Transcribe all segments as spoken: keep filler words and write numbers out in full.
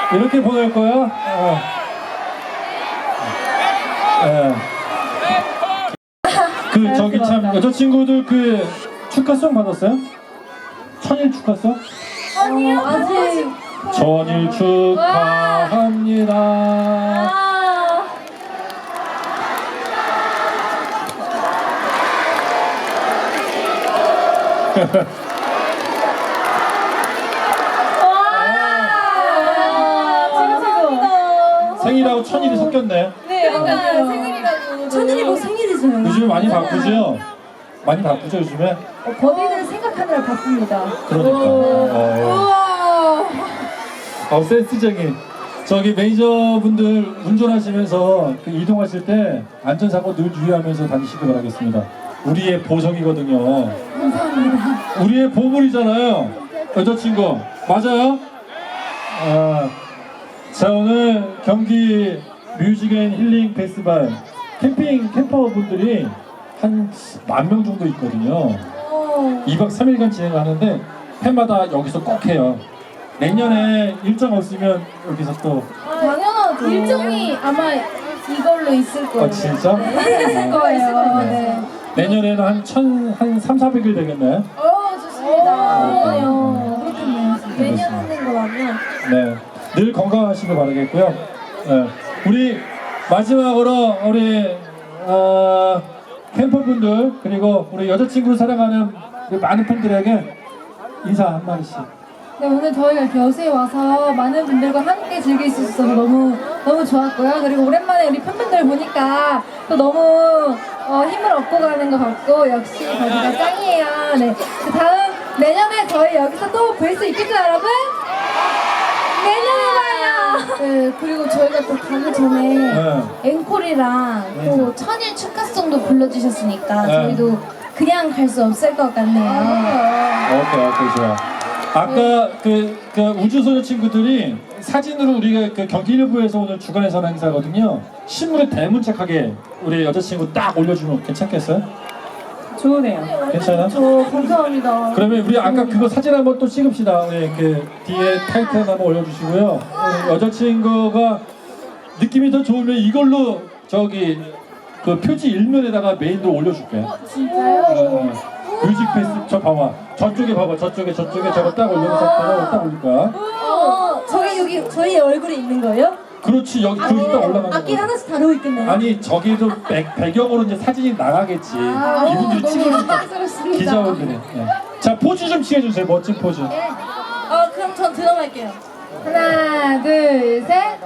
이렇게 보낼 거야? 어. 예. 그 저기 참 여자친구들 그 축하송 받았어요? 천일 축하송? 아니요, 아직. 천일 축하합니다. 아. 생일하고 천일이 섞였네. 네, 약간 생일이라고. 천일이고 생일이잖아요. 요즘에 많이 바쁘죠? 많이 바쁘죠 요즘에? 어, 법인을 생각하느라 바쁩니다. 그러니까. 어, 어 센스적인. 저기 매니저분들 운전하시면서 그 이동하실 때 안전사고 늘 유의하면서 다니시기 바라겠습니다. 우리의 보석이거든요. 감사합니다. 우리의 보물이잖아요. 여자친구. 맞아요? 아, 자, 오늘 경기 뮤직 앤 힐링 페스티벌 캠핑 캠퍼분들이 한 만 명 정도 있거든요. 이 박 삼 일간 진행하는데 해마다 여기서 꼭 해요. 내년에 일정 없으면 여기서 또. 아, 당연하죠. 일정이 아마 이걸로 있을 거예요. 아, 진짜? 네, 있을 거예요. 네. 내년에는 한 천, 한 삼사백 일 되겠나요? 어, 좋습니다. 어, 그렇겠네요. 매년 하는 거라면. 네. 늘 건강하시길 바라겠고요. 네. 우리 마지막으로 우리 어, 캠퍼분들 그리고 우리 여자친구를 사랑하는 우리 많은 팬들에게 인사 한 마디씩. 네, 오늘 저희가 이렇게 여수에 와서 많은 분들과 함께 즐길 수 있어서 너무 너무 좋았고요. 그리고 오랜만에 우리 팬분들 보니까 또 너무 어, 힘을 얻고 가는 것 같고 역시 거기가 짱이에요. 네, 그 다음 내년에 저희 여기서 또 볼 수 있겠죠, 여러분? 내년에 봐요. 네, 그리고 저희가 또 가기 전에 네. 앵콜이랑 또 천일 축하송도 불러주셨으니까 네. 저희도 그냥 갈 수 없을 것 같네요. 오케이, 오케이, 좋아. 아까 그, 그 우주소녀 친구들이 사진으로 우리가 그 경기 일부에서 오늘 주간에서 하는 행사거든요. 신문에 대문짝하게 우리 여자친구 딱 올려주면 괜찮겠어요? 좋으네요. 괜찮아? 저 감사합니다. 그러면 우리 아까 그거 사진 한번 또 찍읍시다. 우리 그 뒤에 타이틀 한번 올려주시고요. 우리 여자친구가 느낌이 더 좋으면 이걸로 저기 그 표지 일면에다가 메인으로 올려줄게. 진짜요? 어, 뮤직 페스 저 봐봐. 저쪽에 봐봐. 저쪽에 저쪽에 저거 딱 올려놓은 상태로 딱 올릴 거야. 어, 저기 여기 저희 얼굴이 있는 거예요? 그렇지 여기 거기 딱 올라가는 악기 거야. 하나씩 다루고 있겠네요. 아니 저기도 배, 배경으로 이제 사진이 나가겠지. 아, 이분들이 너무 찍어줄 거. 영광스럽습니다. 기자분들이. 네. 자 포즈 좀 취해주세요. 멋진 포즈. 네. 어, 그럼 전 드럼할게요. 하나, 둘, 셋.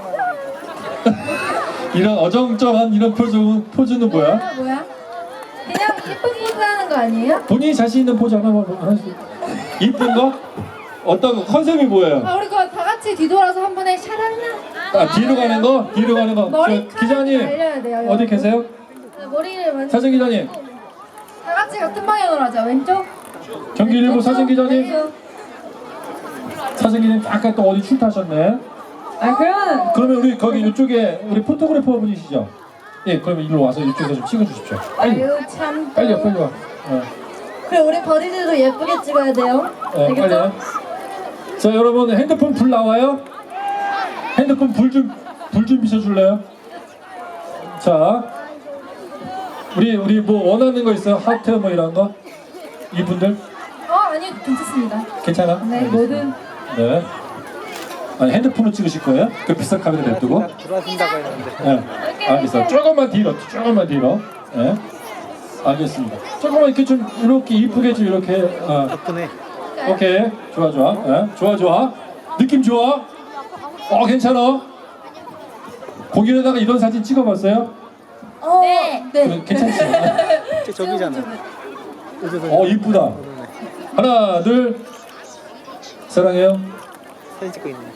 이런 어정쩡한 이런 포즈, 포즈는 뭐야? 아, 뭐야? 그냥 예쁜 포즈 하는 거 아니에요? 본인이 자신 있는 포즈 하나만 하나씩. 이쁜 거? 어떤 거? 컨셉이 뭐예요? 아, 우리 그거 다 같이 뒤돌아서 한 번에 샤랄라. 아 뒤로 가는 거? 뒤로 가는 거. 저, 머리카락 기자님 날려야 돼요. 어디 여러분. 계세요? 네, 머리를 먼저. 사진 기자님. 다 같이 같은 방향으로 하자. 왼쪽. 경기일보 사진 기자님. 왼쪽. 사진 기자님 아까 또 어디 출타하셨네. 아, 그러면 그러면 우리 거기 이쪽에 우리 포토그래퍼 분이시죠? 예, 그러면 이리로 와서 이쪽에서 좀 찍어주십시오. 빨리, 아유 참. 빨리 와, 빨리 와. 어. 그래 우리 버디들도 예쁘게 찍어야 돼요. 네, 빨리 와. 자, 여러분 핸드폰 불 나와요? 핸드폰 불 좀 불 좀 비춰줄래요? 자, 우리 우리 뭐 원하는 거 있어요? 하트 뭐 이런 거? 이분들 어 아니요 괜찮습니다. 괜찮아? 네 뭐든. 네. 아니 핸드폰으로 찍으실 거예요? 그 비싼 카메라 냅두고? 들어와준다고 했는데. 네. 알겠어. 조금만 뒤로, 조금만 뒤로. 네. 알겠습니다. 조금만 이렇게 좀 이렇게 이쁘게 좀 이렇게. 어. 덕분에 오케이. 좋아, 좋아. 네. 좋아, 좋아. 느낌 좋아. 어, 괜찮아. 공연에다가 이런 사진 찍어봤어요? 어, 네. 그래, 괜찮지? 저- 저기잖아. 어, 이쁘다. 하나, 둘. 사랑해요. 사진 찍고 있네.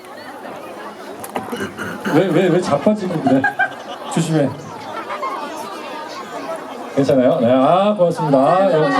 왜, 왜, 왜 자빠지고 그래? 조심해. 괜찮아요? 네, 아, 고맙습니다. 아, 역시.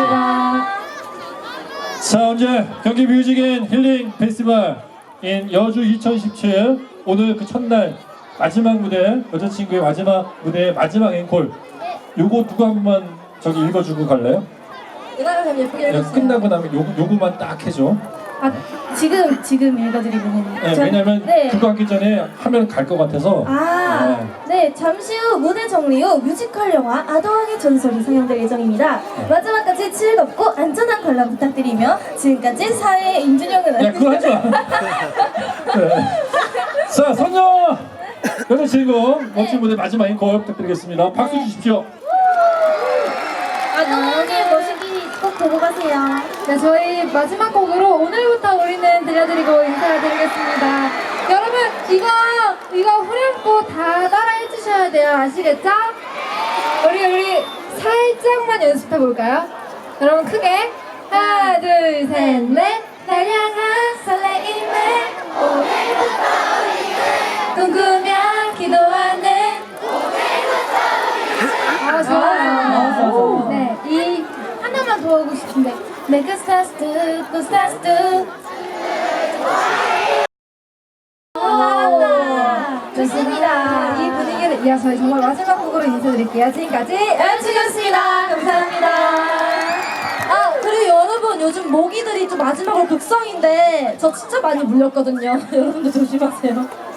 자, 언제 경기 뮤직 앤 힐링 페스티벌 인 여주 이천십칠 오늘 그 첫날 마지막 무대, 여자친구의 마지막 무대의 마지막 앵콜. 요거 누가 한 번만 저기 읽어주고 갈래요? 이나가 좀 예쁘게 야, 해주세요. 끝나고 나면 요, 요거만 딱 해줘. 아, 지금 지금 읽어드리면은 네, 전- 왜냐면 네. 그거 하기 전에 하면 갈 것 같아서. 아, 네. 잠시 후 무대 정리 후 뮤지컬 영화 아더왕의 전설이 상영될 예정입니다. 마지막까지 즐겁고 안전한 관람 부탁드리며 지금까지 사회 임준영은 야, 그거 하지 마. 네. 자, 선녀 여자 주인공 멋진 무대 마지막 앵콜 부탁드리겠습니다. 박수 주십시오. 아더왕의 모시기 꼭 보고 가세요. 네, 저희 마지막 곡으로 오늘부터 우리는 들려드리고 인사드리겠습니다. 여러분, 이거, 이거 후렴구 다 따라해 주셔야 돼요. 아시겠죠? 우리, 우리 살짝만 연습해 볼까요? 여러분, 크게. 하나, 둘, 셋, 넷. 날 향한 설레임에 꿈꾸며 기도하는 아, 좋아요. 네, 이 하나만 더 하고 싶은데. Make us stars do, go stars do. 잘한다. 좋습니다. 이 분위기를 이어서 저희 정말 마지막 곡으로 인사드릴게요. 지금까지 엠씨였습니다. 감사합니다. 아, 그리고 여러분 요즘 모기들이 좀 마지막으로 극성인데 저 진짜 많이 물렸거든요. 여러분들 조심하세요.